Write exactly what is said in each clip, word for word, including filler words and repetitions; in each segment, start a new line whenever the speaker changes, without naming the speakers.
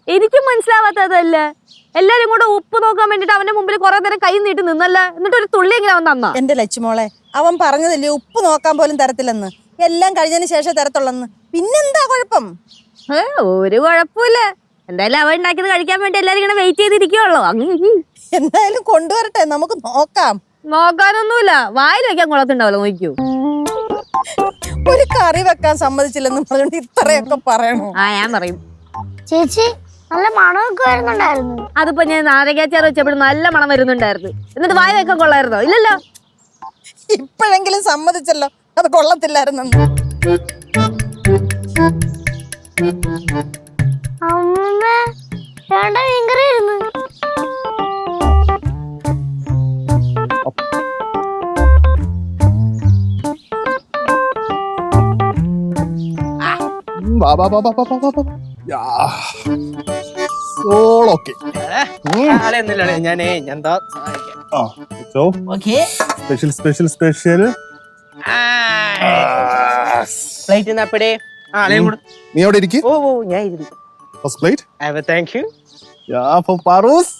എനിക്കും മനസ്സിലാവാത്തതല്ല. എല്ലാരും കൂടെ ഉപ്പ് നോക്കാൻ വേണ്ടിട്ട് അവന്റെ മുമ്പിൽ കുറെ നേരം കൈ നീട്ടി നിന്നല്ല, എന്നിട്ട് ഒരു തുള്ളി എങ്ങനെ അവൻ തന്നാ?
എന്റെ ലച്ചുമോളെ, അവൻ പറഞ്ഞതല്ലേ ഉപ്പ് നോക്കാൻ പോലും തരത്തില്ലെന്ന്, എല്ലാം കഴിഞ്ഞതിന് ശേഷം തരത്തുള്ളെന്ന്. പിന്നെന്താ കുഴപ്പം?
ഒരു കുഴപ്പമില്ല. എന്തായാലും അവൻ ഉണ്ടാക്കിയത് കഴിക്കാൻ വേണ്ടി എല്ലാരും ഇങ്ങനെ വെയിറ്റ് ചെയ്തിരിക്കുവല്ലോ. അങ്ങനെ
എന്തായാലും കൊണ്ടുവരട്ടെ, നമുക്ക് നോക്കാം.
നോക്കാനൊന്നുമില്ല, വായിൽ വെക്കാൻ കൊള്ളത്തുണ്ടാവല്ലോ. നോക്കൂ,
ഒരു കറി വെക്കാൻ സമ്മതിച്ചില്ലെന്ന് പറഞ്ഞോണ്ട് ഇത്രയൊക്കെ പറയണോ?
ആ ഞാൻ പറയും.
ചേച്ചി നല്ല മണമൊക്കെ വരുന്നുണ്ടായിരുന്നു.
അതിപ്പോ ഞാൻ നാരങ്ങാച്ചാറ് വെച്ചപ്പോഴും നല്ല മണം വരുന്നുണ്ടായിരുന്നു. എന്നിട്ട് വായ വെക്കാൻ കൊള്ളായിരുന്നോ? ഇല്ലല്ലോ.
ഇപ്പോഴെങ്കിലും സമ്മതിച്ചല്ലോ അത് കൊള്ളത്തില്ലായിരുന്നെന്ന്.
അമ്മ വേണ്ട ഭയങ്കരായിരുന്നു.
സ്പെഷ്യൽ സ്പെഷ്യൽ സ്പെഷ്യൽ നീ അവിടെ ഇരിക്കും. First plate.
Thank you.
Yeah, for Parus.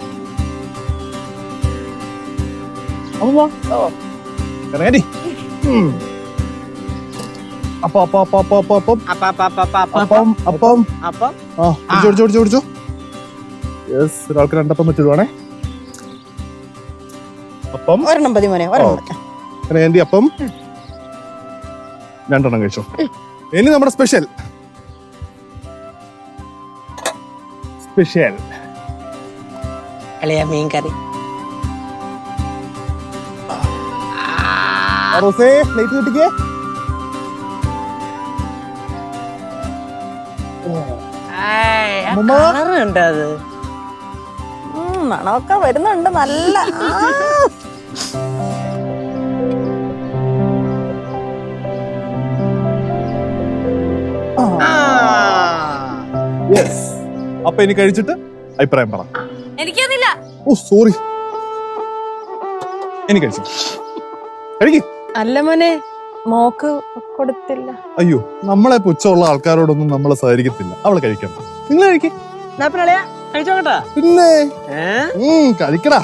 Amma. Oh. Ready? Hmm. Apa apa apa apa apa apa
apa apa apa apa
അപ്പം അപ്പം
അപ്പം
ആ ജോർജ് ജോർജ് ജോർജ് യെസ് ഒരാൾക്ക് രണ്ടപ്പം പറ്റുവാണേ. അപ്പം
ഒരെണ്ണം മതി മോനെ, ഒരെണ്ണം.
എന്തി അപ്പം രണ്ടെണ്ണം കഴിച്ചോ. ഇനി നമ്മുടെ സ്പെഷ്യൽ സ്പെഷ്യൽ
അളിയ മീൻ കറി.
റോസേ പ്ലേറ്റ് കിട്ടിക്കേ.
കളറുണ്ട് അത്.
മണമൊക്കെ വരുന്നുണ്ട് നല്ല.
യെസ്. അപ്പൊ ഇനി കഴിച്ചിട്ട് അഭിപ്രായം പറ.
എനിക്കൊന്നില്ല.
ഓ സോറി. ഇനി കഴിച്ചു കഴിക്കും.
അല്ല മോനെ, മോക്ക് കൊടുത്തില്ല.
അയ്യോ, നമ്മളെ പുച്ഛമുള്ള ആൾക്കാരോടൊന്നും നമ്മൾ സഹകരിക്കത്തില്ല. അവള് കഴിക്കണം. നിങ്ങൾ കഴിക്കും.
കഴിച്ചോക്കട്ടാ.
പിന്നെ കഴിക്കടാ.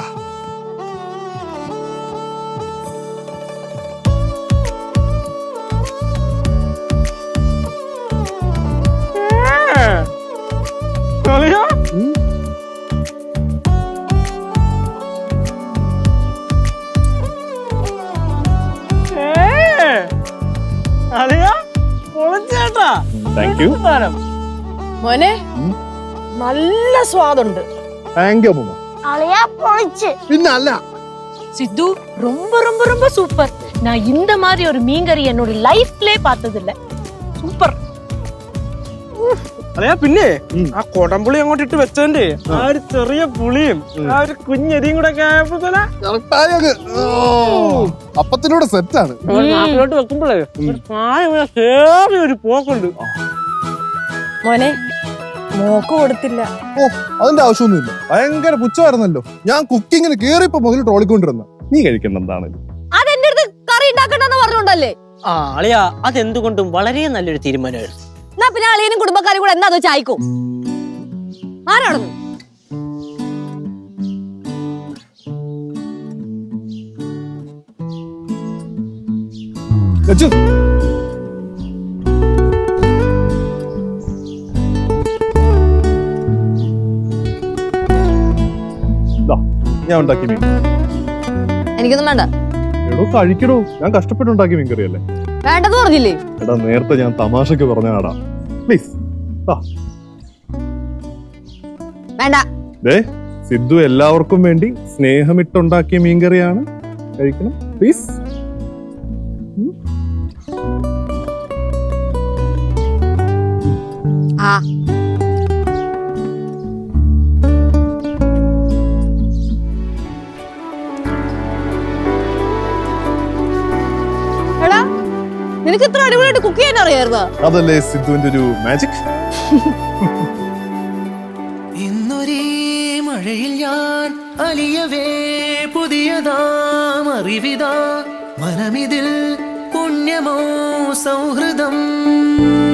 മോനെ നല്ല സ്വാദുണ്ട്.
താങ്ക് യു അമ്മ.
അളിയാ പൊളിച്ച്.
പിന്നെ അല്ല
சித்து ரொம்ப ரொம்ப ரொம்ப சூப்பர். நான் இந்த மாதிரி ஒரு மீன்கறி என்னோட லைஃப்லயே பார்த்தது இல்ல. சூப்பர்.
അതെയാ. പിന്നെ ആ കൊടംപുളി അങ്ങോട്ട് ഇട്ട് വെച്ചോണ്ട് ആ ഒരു ചെറിയ പുളിയും ആ ഒരു കുഞ്ഞരിയും കൂടെ
അപ്പത്തിനോട് സെറ്റാണ്.
നാട്ടിലോട്ട് വെക്കുമ്പോഴേ കേറി ഒരു പോക്കുണ്ട്.
മോനെ മോക്ക് കൊടുത്തില്ല.
ഓ അതിന്റെ ആവശ്യമൊന്നുമില്ല. ഭയങ്കര പുച്ഛമായിരുന്നല്ലോ. ഞാൻ കുക്കിങ്ങിന് കേറിയപ്പോ മുതൽ ട്രോളിക്കൊണ്ടിരുന്ന. നീ കഴിക്കണ്ട എന്താണ്?
അതെന്റെ അടുത്ത് കറി ഉണ്ടാക്കണ്ടെന്ന് പറഞ്ഞോണ്ടല്ലേ?
ആ അളിയാ, അതെന്തുകൊണ്ടും വളരെ നല്ലൊരു തീരുമാനമായിരുന്നു.
എന്നാ പിന്നെ അളിയനും കുടുംബക്കാരും കൂടെ എന്താ ചായക്കും ആരാണെന്ന്
ഞാൻ ഉണ്ടാക്കി മീൻ.
എനിക്കൊന്നും വേണ്ട.
എടോ കഴിക്കടോ, ഞാൻ കഷ്ടപ്പെട്ടുണ്ടാക്കി മീൻ കറിയല്ലേ.
വേണ്ടെന്ന് പറഞ്ഞില്ലേ?
എടാ നേരത്തെ ഞാൻ തമാശക്ക് പറഞ്ഞാടാ. പ്ലീസ്
വേണ്ട.
ദേ സിദ്ധു എല്ലാവർക്കും വേണ്ടി സ്നേഹമിട്ടുണ്ടാക്കിയ മീൻകറിയാണ്. കഴിക്കണം പ്ലീസ്.
ആ എടാ, നിനക്ക് ഇത്ര അടിപൊളിയായിട്ട് കുക്ക് ചെയ്യാൻ അറിയായിരുന്നോ?
അതല്ലേ സിദ്ധുവിന്റെ ഒരു മാജിക്.
ഇന്നൊരേ മഴയിൽ ഞാൻ അലിയവേ പുതിയതാം അറിവിതാ മനമിതിൽ പുണ്യമോ സൗഹൃദം.